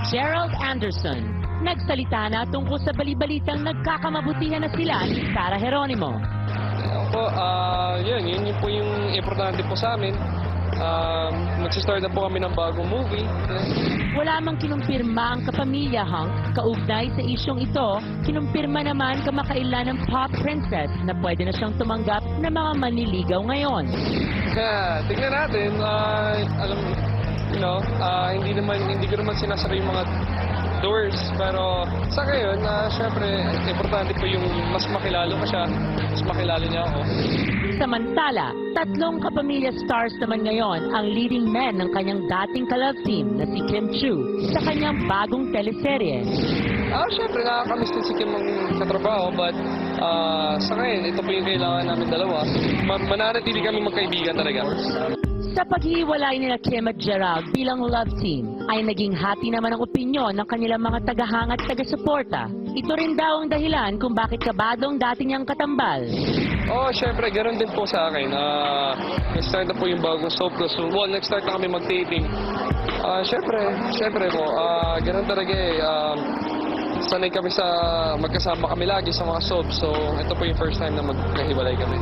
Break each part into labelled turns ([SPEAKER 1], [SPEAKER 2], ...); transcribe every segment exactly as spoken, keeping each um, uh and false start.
[SPEAKER 1] Gerald Anderson. Nagsalita na tungkol sa balibalitang nagkakamabutihan na sila ni Sarah Geronimo.
[SPEAKER 2] Ako, ah, yun, yun, yun po yung importante po sa amin. Um, Magsistart na po kami ng bagong movie.
[SPEAKER 1] Wala mang kinumpirma ang kapamilya Hank kaugnay sa isyong ito, kinumpirma naman kamakailan ng pop princess na pwede na siyang tumanggap ng mga manliligaw ngayon.
[SPEAKER 2] Kaya, tignan natin, ah, alam, you know, ah, hindi naman, hindi ko naman sinasara yung mga doors, pero sa ngayon, uh, syempre, importante po yung mas makilala ko siya, mas makilala niya ako.
[SPEAKER 1] Samantala, tatlong kapamilya stars naman ngayon ang leading men ng kanyang dating ka-love team na si Kim Chiu sa kanyang bagong teleserye.
[SPEAKER 2] Ah, syempre, nakakamiss din si Kim ang katrabaho, but uh, sa ngayon, ito po yung kailangan namin dalawa. Ma mananatili kami magkaibigan talaga.
[SPEAKER 1] Sa paghiwalay nila Kim at Gerald bilang love team, ay naging hati naman ang opinyon ng kanilang mga tagahanga at taga-suporta. Ito rin daw ang dahilan kung bakit kabadong dati niyang katambal.
[SPEAKER 2] Oh, syempre, ganoon din po sa akin. Uh, nag-start na po yung bagong soap ko. So, well, nag-start na kami mag-taping. Uh, syempre, syempre po, uh, ganoon talaga eh. Um, sanay kami sa magkasama kami lagi sa mga soap. So, ito po yung first time na magkahiwalay kami.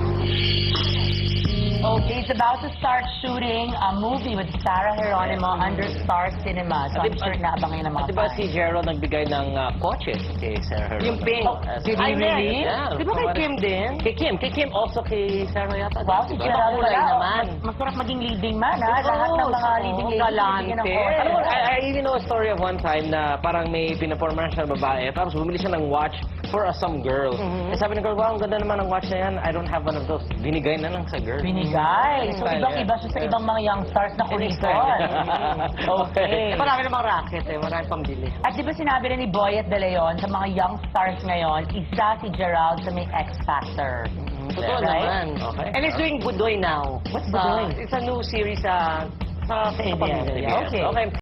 [SPEAKER 1] Okay, it's about to start shooting a movie with Sarah Geronimo under Star Cinema. So, I'm sure naabangan ng mga
[SPEAKER 3] At diba
[SPEAKER 1] fans.
[SPEAKER 3] si Gerald nagbigay ng uh, kotse kay Sarah Geronimo?
[SPEAKER 4] Yung pink.
[SPEAKER 3] Oh,
[SPEAKER 4] Did he really?
[SPEAKER 3] Yeah.
[SPEAKER 4] Di ba kay Kim din?
[SPEAKER 3] Kay Kim. Kay Kim also kay Sarah yata.
[SPEAKER 1] Wow, si
[SPEAKER 3] Diba?
[SPEAKER 1] Gerald
[SPEAKER 3] Kulay
[SPEAKER 1] pala.
[SPEAKER 3] naman.
[SPEAKER 1] Mas, masarap maging leading man, ha? Lahat ng mga
[SPEAKER 4] Oo,
[SPEAKER 1] leading ladies.
[SPEAKER 4] galante.
[SPEAKER 1] bibigyan ng kotse.
[SPEAKER 3] Alam mo, I, I even know a story of one time na parang may pinapormahan siya ng babae, tapos bumili siya ng watch for uh, some girl. Eh, sabi ng girl, wow, ang ganda naman ng watch na yan. I don't have one of those. Binigay na lang sa girl.
[SPEAKER 1] Binigay. So,
[SPEAKER 3] Style
[SPEAKER 1] ibang-iba
[SPEAKER 3] yan.
[SPEAKER 1] siya sa ibang mga young stars na kurison. Okay.
[SPEAKER 4] Eh, marami namang racket eh. Marami pang bili.
[SPEAKER 1] At di ba sinabi rin ni Boyet De Leon sa mga young stars ngayon, isa si Gerald sa may X Factor.
[SPEAKER 4] Totoo
[SPEAKER 1] Right?
[SPEAKER 4] naman.
[SPEAKER 3] Okay.
[SPEAKER 4] And he's doing Budoy now.
[SPEAKER 1] What's
[SPEAKER 4] Uh,
[SPEAKER 1] Budoy?
[SPEAKER 4] it's a new series sa sa
[SPEAKER 1] A B S.
[SPEAKER 4] pamilya.
[SPEAKER 1] Okay.
[SPEAKER 3] Okay.